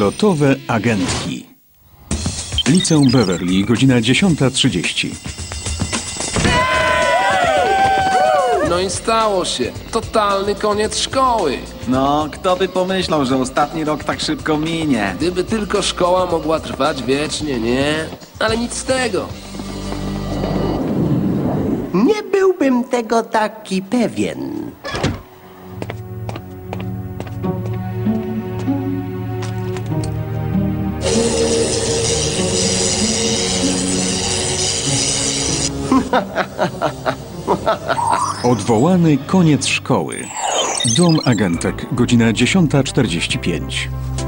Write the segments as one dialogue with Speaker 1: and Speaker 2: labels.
Speaker 1: Odlotowe agentki. Liceum Beverly, godzina 10:30.
Speaker 2: No i stało się. Totalny koniec szkoły.
Speaker 3: No, kto by pomyślał, że ostatni rok tak szybko minie?
Speaker 2: Gdyby tylko szkoła mogła trwać wiecznie, nie? Ale nic z tego.
Speaker 4: Nie byłbym tego taki pewien.
Speaker 1: Odwołany koniec szkoły. Dom agentek, godzina 10:45.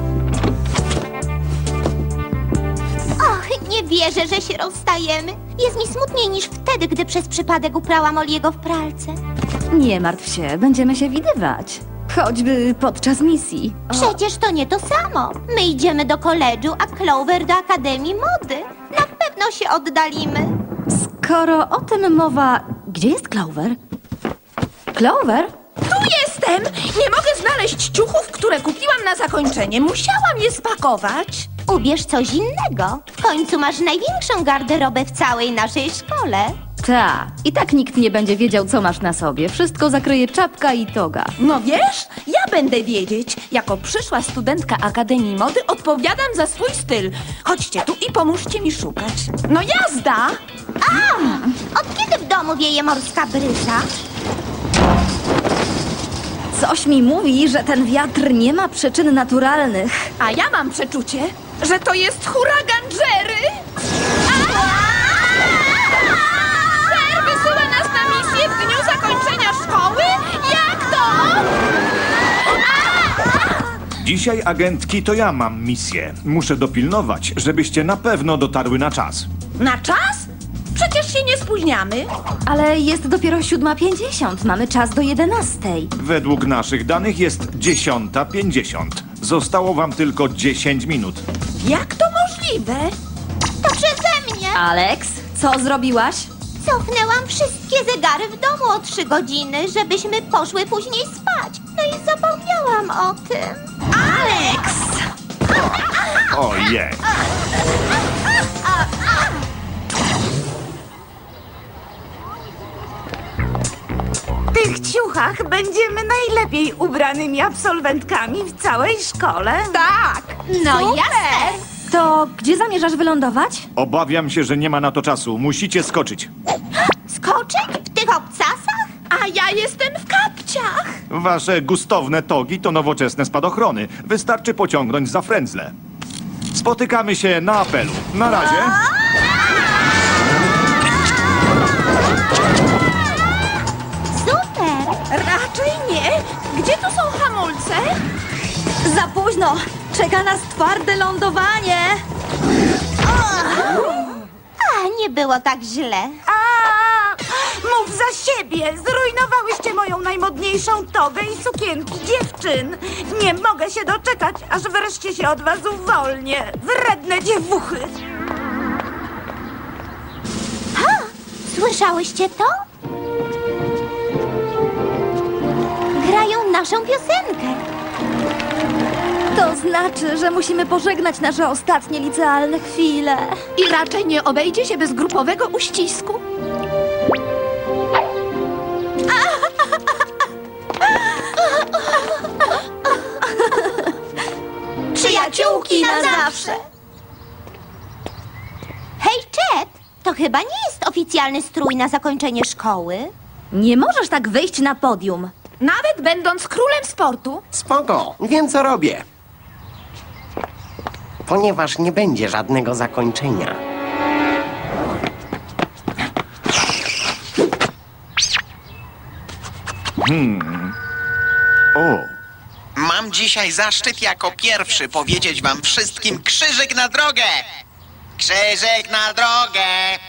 Speaker 5: Och, nie wierzę, że się rozstajemy. Jest mi smutniej niż wtedy, gdy przez przypadek uprałam Oliego w pralce.
Speaker 6: Nie martw się, będziemy się widywać. Choćby podczas misji.
Speaker 5: Przecież to nie to samo. My idziemy do koledżu, a Clover do Akademii Mody. Na pewno się oddalimy.
Speaker 6: Skoro o tym mowa, gdzie jest Clover? Clover?
Speaker 7: Tu jestem! Nie mogę znaleźć ciuchów, które kupiłam na zakończenie. Musiałam je spakować.
Speaker 5: Ubierz coś innego. W końcu masz największą garderobę w całej naszej szkole.
Speaker 6: Ta. I tak nikt nie będzie wiedział, co masz na sobie. Wszystko zakryje czapka i toga.
Speaker 7: No wiesz, ja będę wiedzieć. Jako przyszła studentka Akademii Mody odpowiadam za swój styl. Chodźcie tu i pomóżcie mi szukać. No jazda!
Speaker 5: Od kiedy w domu wieje morska bryza?
Speaker 6: Coś mi mówi, że ten wiatr nie ma przyczyn naturalnych.
Speaker 7: A ja mam przeczucie, że to jest huragan Jerry. Ser wysyła nas na misję w dniu zakończenia szkoły? Jak to?
Speaker 8: Dzisiaj, agentki, to ja mam misję. Muszę dopilnować, żebyście na pewno dotarły na czas.
Speaker 7: Na czas? Przecież się nie spóźniamy.
Speaker 6: Ale jest dopiero 7:50. Mamy czas do 11:00.
Speaker 8: Według naszych danych jest 10:50. Zostało wam tylko 10 minut.
Speaker 7: Jak to możliwe?
Speaker 5: To przeze mnie.
Speaker 6: Alex, co zrobiłaś?
Speaker 5: Cofnęłam wszystkie zegary w domu o 3 godziny, żebyśmy poszły później spać. No i zapomniałam o tym.
Speaker 7: Alex!
Speaker 8: Ojej.
Speaker 9: W tych ciuchach będziemy najlepiej ubranymi absolwentkami w całej szkole.
Speaker 7: Tak!
Speaker 5: No
Speaker 7: super!
Speaker 5: jasne.
Speaker 6: To gdzie zamierzasz wylądować?
Speaker 8: Obawiam się, że nie ma na to czasu. Musicie skoczyć.
Speaker 5: Skoczyć w tych obcasach?
Speaker 7: A ja jestem w kapciach.
Speaker 8: Wasze gustowne togi to nowoczesne spadochrony. Wystarczy pociągnąć za frędzle. Spotykamy się na apelu. Na razie.
Speaker 5: Super.
Speaker 7: Raczej nie. Gdzie tu są hamulce?
Speaker 6: Za późno! Czeka nas twarde lądowanie!
Speaker 5: A, nie było tak źle.
Speaker 9: Mów za siebie! Zrujnowałyście moją najmodniejszą togę i sukienki dziewczyn. Nie mogę się doczekać, aż wreszcie się od was uwolnię. Wredne dziewuchy!
Speaker 5: Słyszałyście to? Grają naszą piosenkę.
Speaker 6: To znaczy, że musimy pożegnać nasze ostatnie licealne chwile.
Speaker 7: I raczej nie obejdzie się bez grupowego uścisku.
Speaker 5: Przyjaciółki na zawsze. Hej, Chet, to chyba nie jest oficjalny strój na zakończenie szkoły.
Speaker 6: Nie możesz tak wyjść na podium.
Speaker 7: Nawet będąc królem sportu.
Speaker 4: Spoko, wiem co robię. Ponieważ nie będzie żadnego zakończenia.
Speaker 8: O,
Speaker 10: Mam dzisiaj zaszczyt jako pierwszy powiedzieć wam wszystkim krzyżyk na drogę! Krzyżyk na drogę!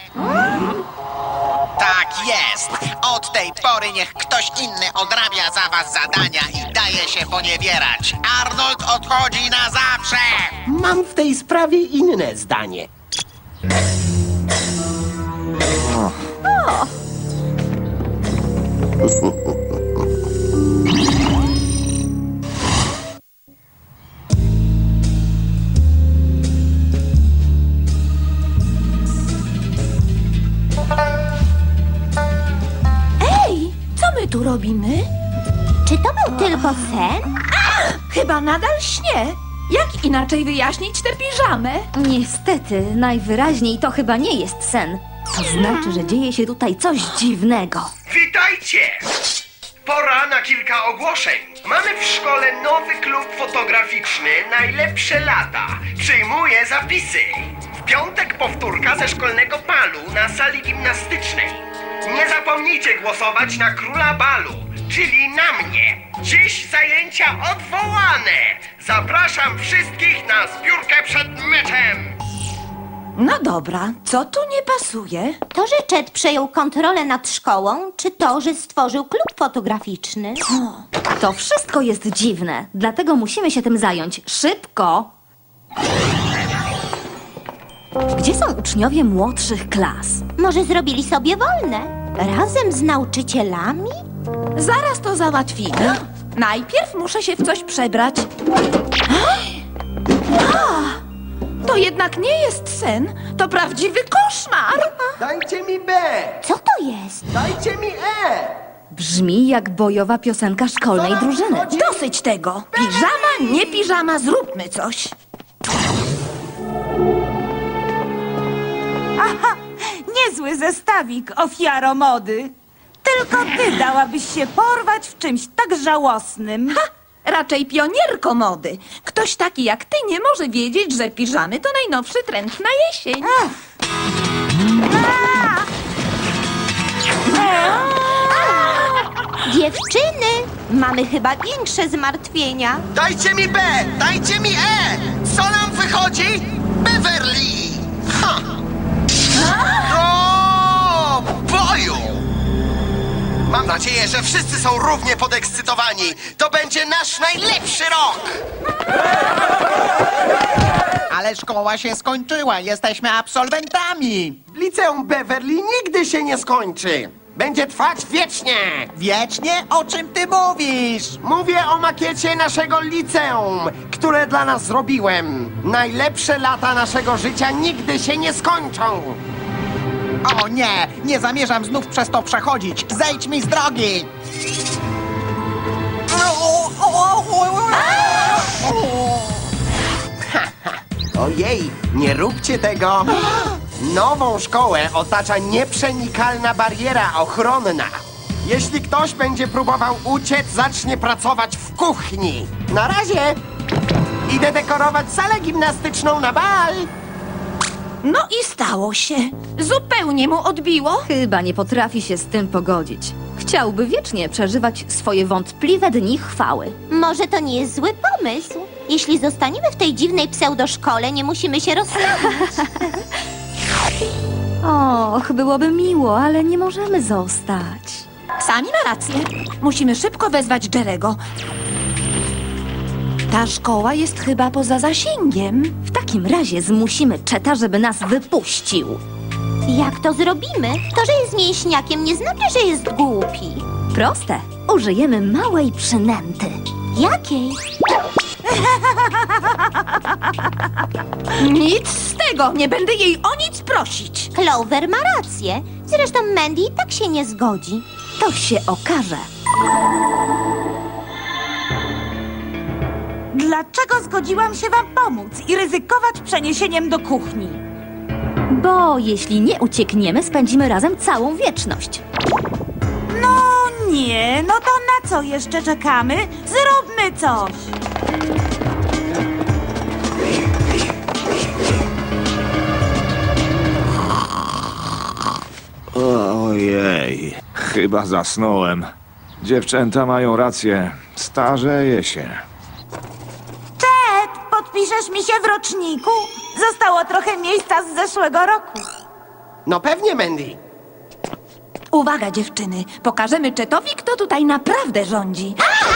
Speaker 10: Tak jest! Od tej pory niech ktoś inny odrabia za was zadania i daje się poniewierać. Arnold odchodzi na zawsze!
Speaker 4: Mam w tej sprawie inne zdanie.
Speaker 7: tu robimy?
Speaker 5: Czy to był tylko sen?
Speaker 7: Chyba nadal śnię. Jak inaczej wyjaśnić tę piżamę?
Speaker 6: Niestety, najwyraźniej to chyba nie jest sen. To znaczy, że dzieje się tutaj coś dziwnego.
Speaker 11: Witajcie! Pora na kilka ogłoszeń. Mamy w szkole nowy klub fotograficzny Najlepsze lata. Przyjmuję zapisy. W piątek powtórka ze szkolnego balu na sali gimnastycznej. Nie zapomnijcie głosować na króla balu, czyli na mnie. Dziś zajęcia odwołane. Zapraszam wszystkich na zbiórkę przed meczem.
Speaker 7: No dobra, co tu nie pasuje?
Speaker 5: To, że Chet przejął kontrolę nad szkołą, czy to, że stworzył klub fotograficzny?
Speaker 6: To wszystko jest dziwne, dlatego musimy się tym zająć. Szybko! Gdzie są uczniowie młodszych klas?
Speaker 5: Może zrobili sobie wolne? Razem z nauczycielami?
Speaker 7: Zaraz to załatwimy. Najpierw muszę się w coś przebrać. To jednak nie jest sen, to prawdziwy koszmar.
Speaker 4: Dajcie mi B!
Speaker 5: Co to jest?
Speaker 4: Dajcie mi E!
Speaker 6: Brzmi jak bojowa piosenka szkolnej drużyny.
Speaker 7: Dosyć tego. Piżama, nie piżama, zróbmy coś.
Speaker 9: Aha, niezły zestawik, ofiaro mody. Tylko ty dałabyś się porwać w czymś tak żałosnym.
Speaker 7: Ha! Raczej pionierko mody. Ktoś taki jak ty nie może wiedzieć, że piżamy to najnowszy trend na jesień.
Speaker 5: Dziewczyny, mamy chyba większe zmartwienia.
Speaker 10: Dajcie mi B! Dajcie mi E! Co nam wychodzi? Beverly! Ha! Do boju! Mam nadzieję, że wszyscy są równie podekscytowani. To będzie nasz najlepszy rok!
Speaker 3: Ale szkoła się skończyła, jesteśmy absolwentami.
Speaker 4: Liceum Beverly nigdy się nie skończy. Będzie trwać wiecznie.
Speaker 3: Wiecznie? O czym ty mówisz?
Speaker 4: Mówię o makiecie naszego liceum, które dla nas zrobiłem. Najlepsze lata naszego życia nigdy się nie skończą.
Speaker 3: O nie, nie zamierzam znów przez to przechodzić. Zejdź mi z drogi.
Speaker 4: Ojej, nie róbcie tego. Nową szkołę otacza nieprzenikalna bariera ochronna. Jeśli ktoś będzie próbował uciec, zacznie pracować w kuchni. Na razie idę dekorować salę gimnastyczną na bal.
Speaker 7: No i stało się. Zupełnie mu odbiło.
Speaker 6: Chyba nie potrafi się z tym pogodzić. Chciałby wiecznie przeżywać swoje wątpliwe dni chwały.
Speaker 5: Może to nie jest zły pomysł. Jeśli zostaniemy w tej dziwnej pseudoszkole, nie musimy się rozstawić.
Speaker 6: Och, byłoby miło, ale nie możemy zostać.
Speaker 7: Sami ma rację. Musimy szybko wezwać Jerego. Ta szkoła jest chyba poza zasięgiem.
Speaker 6: W takim razie zmusimy Cheta, żeby nas wypuścił.
Speaker 5: Jak to zrobimy? To, że jest mięśniakiem, nie znaczy, że jest głupi.
Speaker 6: Proste. Użyjemy małej przynęty.
Speaker 5: Jakiej?
Speaker 7: Nic z tego. Nie będę jej o nic prosić.
Speaker 5: Clover ma rację. Zresztą Mandy i tak się nie zgodzi.
Speaker 6: To się okaże.
Speaker 9: Dlaczego zgodziłam się wam pomóc i ryzykować przeniesieniem do kuchni?
Speaker 6: Bo jeśli nie uciekniemy, spędzimy razem całą wieczność.
Speaker 9: No nie, no to na co jeszcze czekamy? Zróbmy coś.
Speaker 8: Ojej, chyba zasnąłem. Dziewczęta mają rację. Starzeję się.
Speaker 9: Ted, podpiszesz mi się w roczniku? Zostało trochę miejsca z zeszłego roku.
Speaker 4: No pewnie, Mandy.
Speaker 7: Uwaga, dziewczyny. Pokażemy Chetowi, kto tutaj naprawdę rządzi.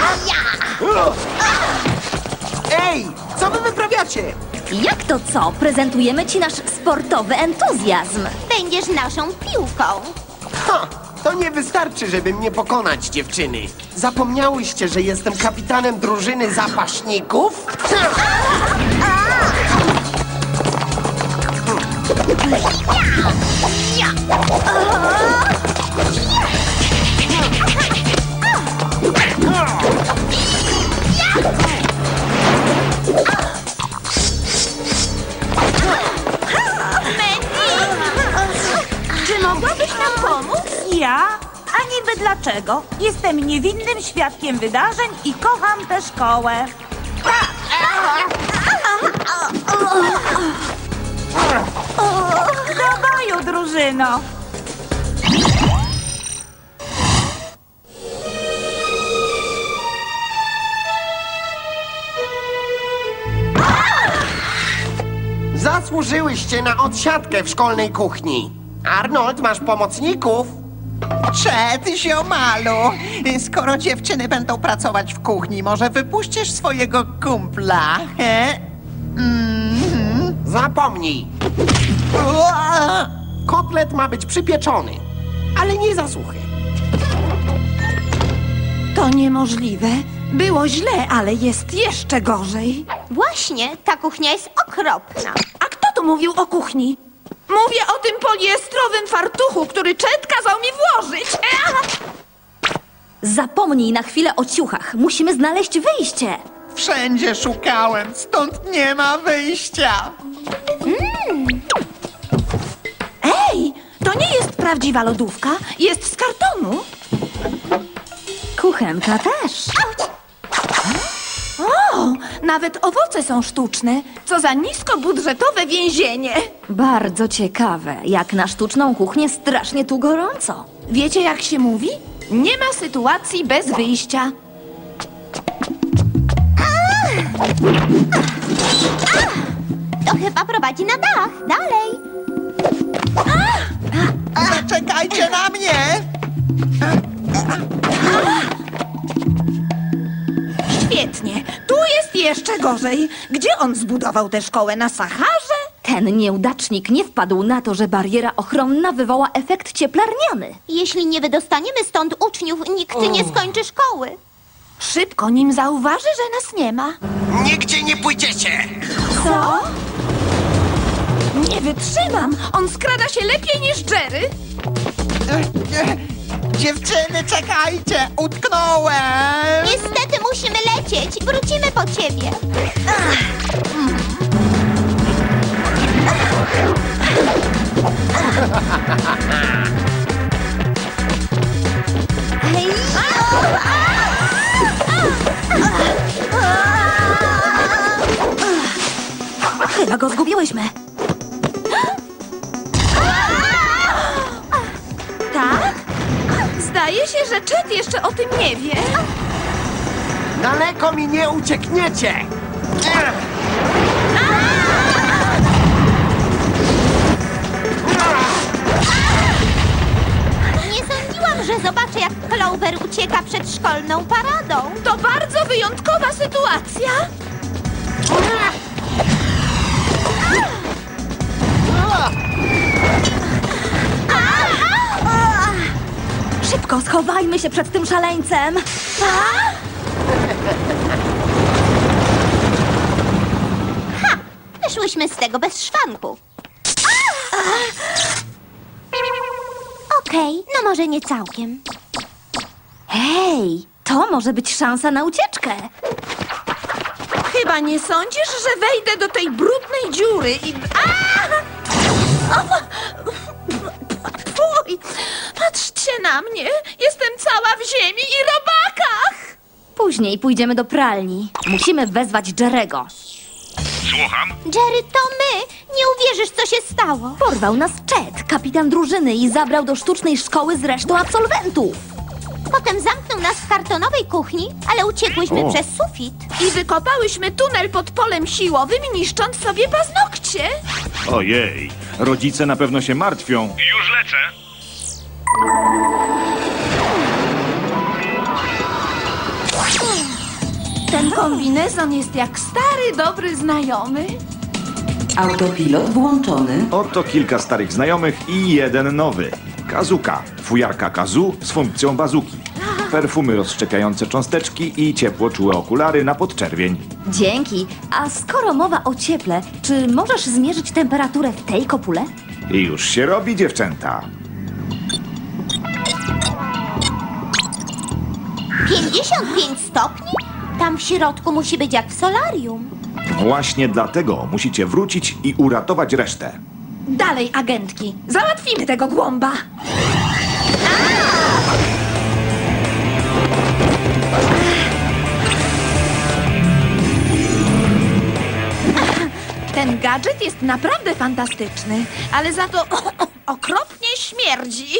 Speaker 4: Ej, co wy wyprawiacie?
Speaker 6: Jak to co? Prezentujemy ci nasz sportowy entuzjazm.
Speaker 5: Będziesz naszą piłką.
Speaker 4: Ha, to nie wystarczy, żeby mnie pokonać, dziewczyny. Zapomniałyście, że jestem kapitanem drużyny zapaśników?
Speaker 7: Mogłabyś nam pomóc?
Speaker 9: Ja? A niby dlaczego? Jestem niewinnym świadkiem wydarzeń i kocham tę szkołę. Do boju, drużyno!
Speaker 4: Zasłużyłyście na odsiadkę w szkolnej kuchni. Arnold, masz pomocników?
Speaker 3: Przed, ziomalu! Skoro dziewczyny będą pracować w kuchni, może wypuścisz swojego kumpla, he?
Speaker 4: Zapomnij.
Speaker 3: Ua!
Speaker 4: Kotlet ma być przypieczony, ale nie za suchy.
Speaker 7: To niemożliwe. Było źle, ale jest jeszcze gorzej.
Speaker 5: Właśnie, ta kuchnia jest okropna.
Speaker 7: A kto tu mówił o kuchni? Mówię o tym poliestrowym fartuchu, który Chet kazał mi włożyć.
Speaker 6: Zapomnij na chwilę o ciuchach. Musimy znaleźć wyjście.
Speaker 3: Wszędzie szukałem, stąd nie ma wyjścia.
Speaker 7: Ej, to nie jest prawdziwa lodówka. Jest z kartonu.
Speaker 6: Kuchenka też.
Speaker 7: O, nawet owoce są sztuczne. Co za niskobudżetowe więzienie.
Speaker 6: Bardzo ciekawe. Jak na sztuczną kuchnię strasznie tu gorąco.
Speaker 7: Wiecie, jak się mówi? Nie ma sytuacji bez wyjścia.
Speaker 5: To chyba prowadzi na dach. Dalej.
Speaker 3: Zaczekajcie na mnie!
Speaker 7: Świetnie. Tu jest jeszcze gorzej. Gdzie on zbudował tę szkołę? Na Saharze?
Speaker 6: Ten nieudacznik nie wpadł na to, że bariera ochronna wywoła efekt cieplarniany.
Speaker 5: Jeśli nie wydostaniemy stąd uczniów, nikt nie skończy szkoły.
Speaker 7: Szybko, nim zauważy, że nas nie ma.
Speaker 10: Nigdzie nie pójdziecie!
Speaker 7: Co? Nie wytrzymam. On skrada się lepiej niż Jerry.
Speaker 3: Dziewczyny, czekajcie! Utknąłem!
Speaker 5: Niestety musimy lecieć. Wrócimy po ciebie.
Speaker 6: Chyba go zgubiłyśmy.
Speaker 7: Tak? Zdaje się, że Chet jeszcze o tym nie wie.
Speaker 4: Daleko mi nie uciekniecie!
Speaker 5: Nie sądziłam, że zobaczę, jak Clover ucieka przed szkolną paradą.
Speaker 7: To bardzo wyjątkowa sytuacja.
Speaker 6: Szybko, schowajmy się przed tym szaleńcem.
Speaker 5: Wyszłyśmy z tego bez szwanku. Okej, no może nie całkiem.
Speaker 6: Hej, to może być szansa na ucieczkę.
Speaker 7: Chyba nie sądzisz, że wejdę do tej brudnej dziury i... Fuj! Patrzcie na mnie! Jestem cała w ziemi i robakach!
Speaker 6: Później pójdziemy do pralni. Musimy wezwać Jerego.
Speaker 5: Jerry, to my! Nie uwierzysz, co się stało.
Speaker 6: Porwał nas Chet, kapitan drużyny, i zabrał do sztucznej szkoły z resztą absolwentów.
Speaker 5: Potem zamknął nas w kartonowej kuchni, ale uciekłyśmy przez sufit.
Speaker 7: I wykopałyśmy tunel pod polem siłowym, niszcząc sobie paznokcie.
Speaker 8: Ojej, rodzice na pewno się martwią.
Speaker 11: Już lecę.
Speaker 7: Ten kombinezon jest jak stary, dobry znajomy.
Speaker 12: Autopilot włączony.
Speaker 8: Oto kilka starych znajomych i jeden nowy. Kazuka, fujarka Kazu z funkcją bazuki. Perfumy rozszczepiające cząsteczki i ciepłoczułe okulary na podczerwień.
Speaker 6: Dzięki. A skoro mowa o cieple, czy możesz zmierzyć temperaturę w tej kopule?
Speaker 8: I już się robi, dziewczęta.
Speaker 5: 55 stopni? Tam w środku musi być jak w solarium.
Speaker 8: Właśnie dlatego musicie wrócić i uratować resztę.
Speaker 7: Dalej, agentki. Załatwimy tego głąba. Ten gadżet jest naprawdę fantastyczny, ale za to okropnie śmierdzi.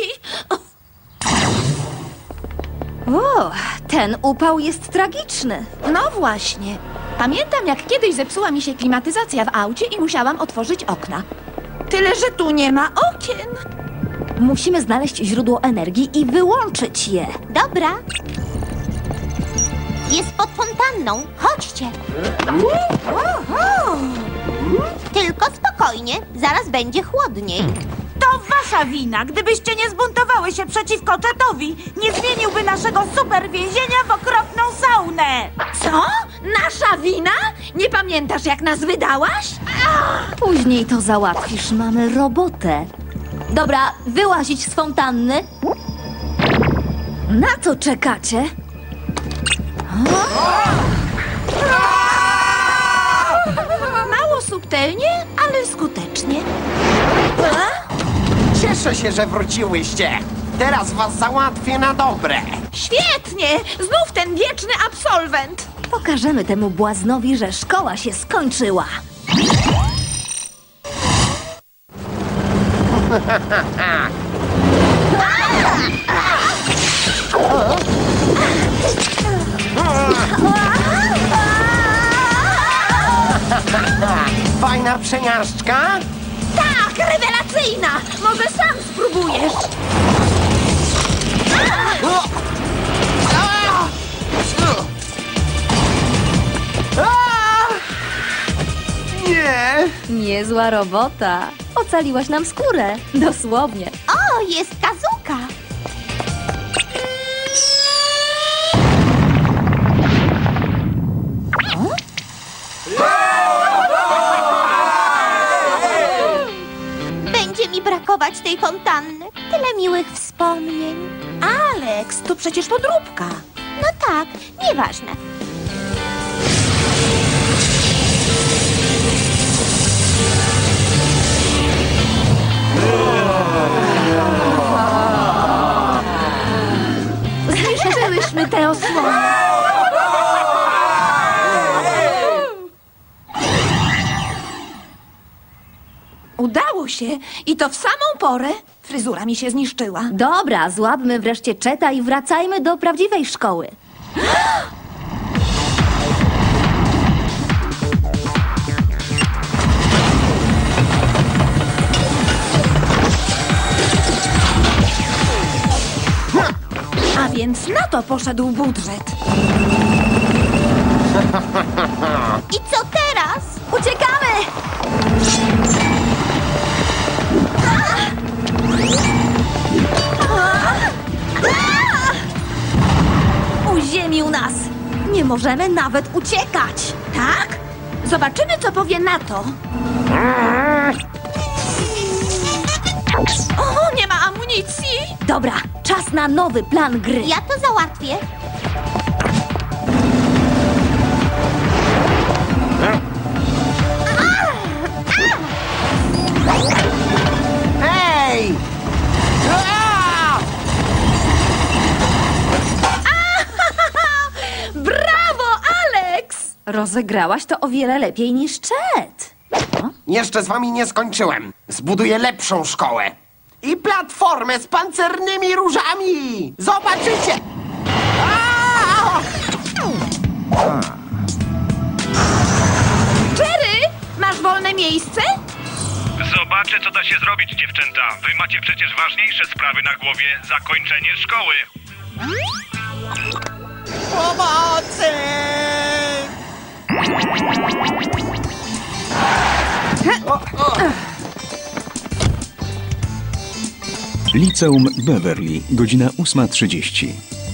Speaker 6: O, ten upał jest tragiczny.
Speaker 7: No właśnie. Pamiętam, jak kiedyś zepsuła mi się klimatyzacja w aucie i musiałam otworzyć okna. Tyle, że tu nie ma okien.
Speaker 6: Musimy znaleźć źródło energii i wyłączyć je.
Speaker 5: Dobra. Jest pod fontanną. Chodźcie. Tylko spokojnie, zaraz będzie chłodniej.
Speaker 9: To wasza wina. Gdybyście nie zbuntowały się przeciwko Chetowi, nie zmieniłby naszego super więzienia w okropną saunę.
Speaker 7: Co? Nasza wina? Nie pamiętasz, jak nas wydałaś?
Speaker 6: Później to załatwisz, mamy robotę. Dobra, wyłazić z fontanny. Na co czekacie?
Speaker 7: Mało subtelnie, ale skutecznie.
Speaker 4: Cieszę się, że wróciłyście. Teraz was załatwię na dobre.
Speaker 7: Świetnie! Znów ten wieczny absolwent.
Speaker 6: Pokażemy temu błaznowi, że szkoła się skończyła.
Speaker 4: Fajna przejażdżka?
Speaker 7: Tak, rewelacyjna! Może sam spróbujesz.
Speaker 4: Nie!
Speaker 6: Niezła robota. Ocaliłaś nam skórę. Dosłownie.
Speaker 5: O, jest Kazuka. Będzie mi brakować tej fontanny. Tyle miłych wspomnień.
Speaker 7: Alex, to przecież podróbka.
Speaker 5: No tak, nieważne.
Speaker 7: Zniszczyłyśmy tę osłonę. Udało się i to w samą porę. Fryzura mi się zniszczyła.
Speaker 6: Dobra, złapmy wreszcie Cheta i wracajmy do prawdziwej szkoły.
Speaker 7: A więc na to poszedł budżet.
Speaker 5: I co teraz?
Speaker 6: Uciekamy! Uziemił nas! Nie możemy nawet uciekać!
Speaker 7: Tak? Zobaczymy, co powie na to. O, nie ma amunicji!
Speaker 6: Dobra, czas na nowy plan gry.
Speaker 5: Ja to załatwię.
Speaker 4: Hej!
Speaker 7: Brawo, Alex!
Speaker 6: Rozegrałaś to o wiele lepiej niż Chet.
Speaker 4: Jeszcze z wami nie skończyłem. Zbuduję lepszą szkołę. I platformę z pancernymi różami! Zobaczycie!
Speaker 7: Jerry, masz wolne miejsce?
Speaker 13: Zobaczę, co da się zrobić, dziewczęta. Wy macie przecież ważniejsze sprawy na głowie. Zakończenie szkoły.
Speaker 3: Pomocy!
Speaker 1: Liceum Beverly, godzina 8:30.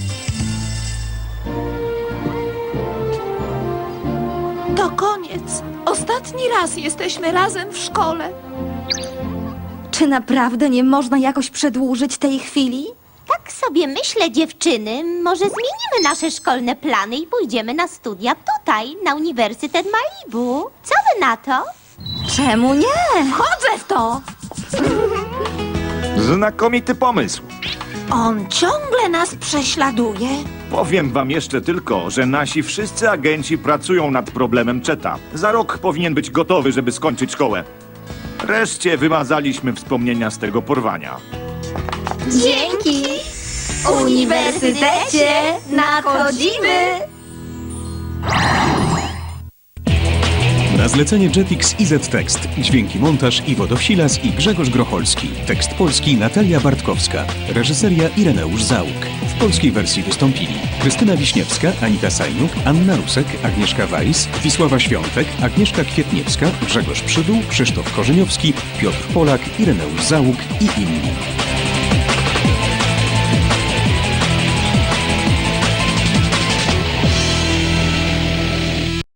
Speaker 7: To koniec. Ostatni raz jesteśmy razem w szkole.
Speaker 6: Czy naprawdę nie można jakoś przedłużyć tej chwili?
Speaker 5: Tak sobie myślę, dziewczyny, może zmienimy nasze szkolne plany i pójdziemy na studia tutaj, na Uniwersytet Malibu. Co wy na to?
Speaker 6: Czemu nie?
Speaker 7: Chodzę w to!
Speaker 8: Znakomity pomysł.
Speaker 9: On ciągle nas prześladuje.
Speaker 8: Powiem wam jeszcze tylko, że nasi wszyscy agenci pracują nad problemem Cheta. Za rok powinien być gotowy, żeby skończyć szkołę. Wreszcie wymazaliśmy wspomnienia z tego porwania.
Speaker 6: Dzięki! Uniwersytecie nadchodzimy!
Speaker 1: Na zlecenie Jetix IZ Tekst. Dźwięki montaż Iwo Dowsilas i Grzegorz Grocholski. Tekst polski Natalia Bartkowska. Reżyseria Ireneusz Załuk. W polskiej wersji wystąpili Krystyna Wiśniewska, Anita Sajnuk, Anna Rusek, Agnieszka Weiss, Wisława Świątek, Agnieszka Kwietniewska, Grzegorz Przydół, Krzysztof Korzeniowski, Piotr Polak, Ireneusz Załuk i inni.